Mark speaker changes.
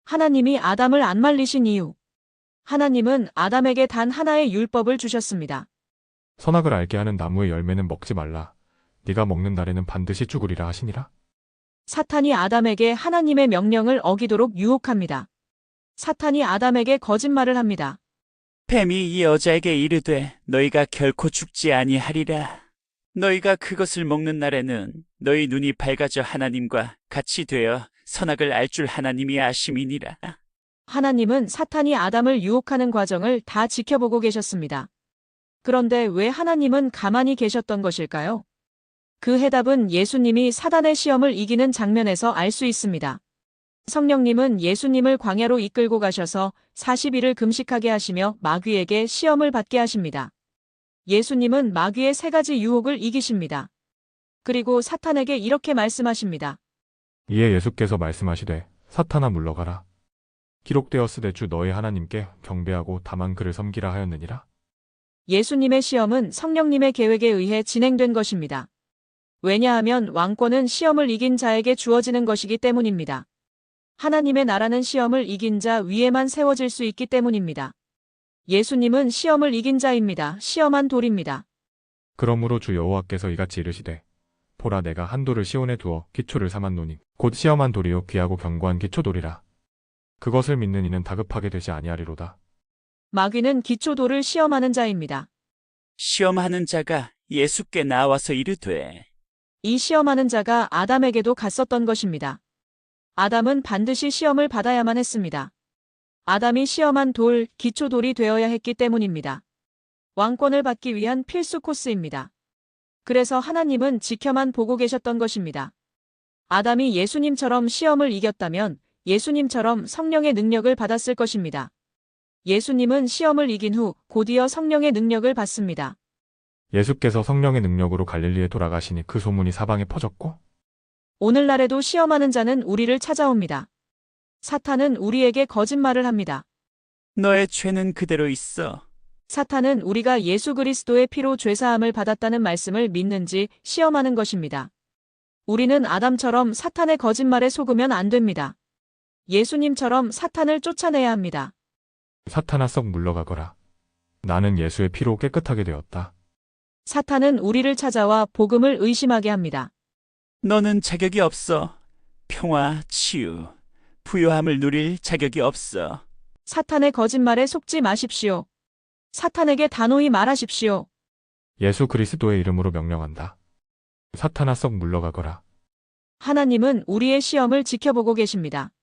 Speaker 1: 하나님이 아담을 안 말리신 이유. 하나님은 아담에게 단 하나의 율법을 주셨습니다.
Speaker 2: 선악을 알게 하는 나무의 열매는 먹지 말라. 네가 먹는 날에는 반드시 죽으리라 하시니라.
Speaker 1: 사탄이 아담에게 하나님의 명령을 어기도록 유혹합니다. 사탄이 아담에게 거짓말을 합니다.
Speaker 3: 뱀이 이 여자에게 이르되 너희가 결코 죽지 아니하리라. 너희가 그것을 먹는 날에는 너희 눈이 밝아져 하나님과 같이 되어 선악을 알 줄 하나님이 아심이니라.
Speaker 1: 하나님은 사탄이 아담을 유혹하는 과정을 다 지켜보고 계셨습니다. 그런데 왜 하나님은 가만히 계셨던 것일까요? 그 해답은 예수님이 사단의 시험을 이기는 장면에서 알 수 있습니다. 성령님은 예수님을 광야로 이끌고 가셔서 40일을 금식하게 하시며 마귀에게 시험을 받게 하십니다. 예수님은 마귀의 3가지 유혹을 이기십니다. 그리고 사탄에게 이렇게 말씀하십니다.
Speaker 2: 이에 예수께서 말씀하시되 사탄아 물러가라. 기록되었으되 주 너희 하나님께 경배하고 다만 그를 섬기라 하였느니라.
Speaker 1: 예수님의 시험은 성령님의 계획에 의해 진행된 것입니다. 왜냐하면 왕권은 시험을 이긴 자에게 주어지는 것이기 때문입니다. 하나님의 나라는 시험을 이긴 자 위에만 세워질 수 있기 때문입니다. 예수님은 시험을 이긴 자입니다. 시험한 돌입니다.
Speaker 2: 그러므로 주 여호와께서 이같이 이르시되 보라 내가 한 돌을 시온에 두어 기초를 삼았노니 곧 시험한 돌이요 귀하고 견고한 기초돌이라. 그것을 믿는 이는 다급하게 되지 아니하리로다.
Speaker 1: 마귀는 기초돌을 시험하는 자입니다.
Speaker 3: 시험하는 자가 예수께 나와서 이르되
Speaker 1: 이 시험하는 자가 아담에게도 갔었던 것입니다. 아담은 반드시 시험을 받아야만 했습니다. 아담이 시험한 돌, 기초돌이 되어야 했기 때문입니다. 왕권을 받기 위한 필수 코스입니다. 그래서 하나님은 지켜만 보고 계셨던 것입니다. 아담이 예수님처럼 시험을 이겼다면 예수님처럼 성령의 능력을 받았을 것입니다. 예수님은 시험을 이긴 후 곧이어 성령의 능력을 받습니다.
Speaker 2: 예수께서 성령의 능력으로 갈릴리에 돌아가시니 그 소문이 사방에 퍼졌고
Speaker 1: 오늘날에도 시험하는 자는 우리를 찾아옵니다. 사탄은 우리에게 거짓말을 합니다.
Speaker 3: 너의 죄는 그대로 있어.
Speaker 1: 사탄은 우리가 예수 그리스도의 피로 죄사함을 받았다는 말씀을 믿는지 시험하는 것입니다. 우리는 아담처럼 사탄의 거짓말에 속으면 안 됩니다. 예수님처럼 사탄을 쫓아내야 합니다.
Speaker 2: 사탄아 썩 물러가거라. 나는 예수의 피로 깨끗하게 되었다.
Speaker 1: 사탄은 우리를 찾아와 복음을 의심하게 합니다.
Speaker 3: 너는 자격이 없어. 평화, 치유, 부요함을 누릴 자격이 없어.
Speaker 1: 사탄의 거짓말에 속지 마십시오. 사탄에게 단호히 말하십시오.
Speaker 2: 예수 그리스도의 이름으로 명령한다. 사탄아 썩 물러가거라.
Speaker 1: 하나님은 우리의 시험을 지켜보고 계십니다.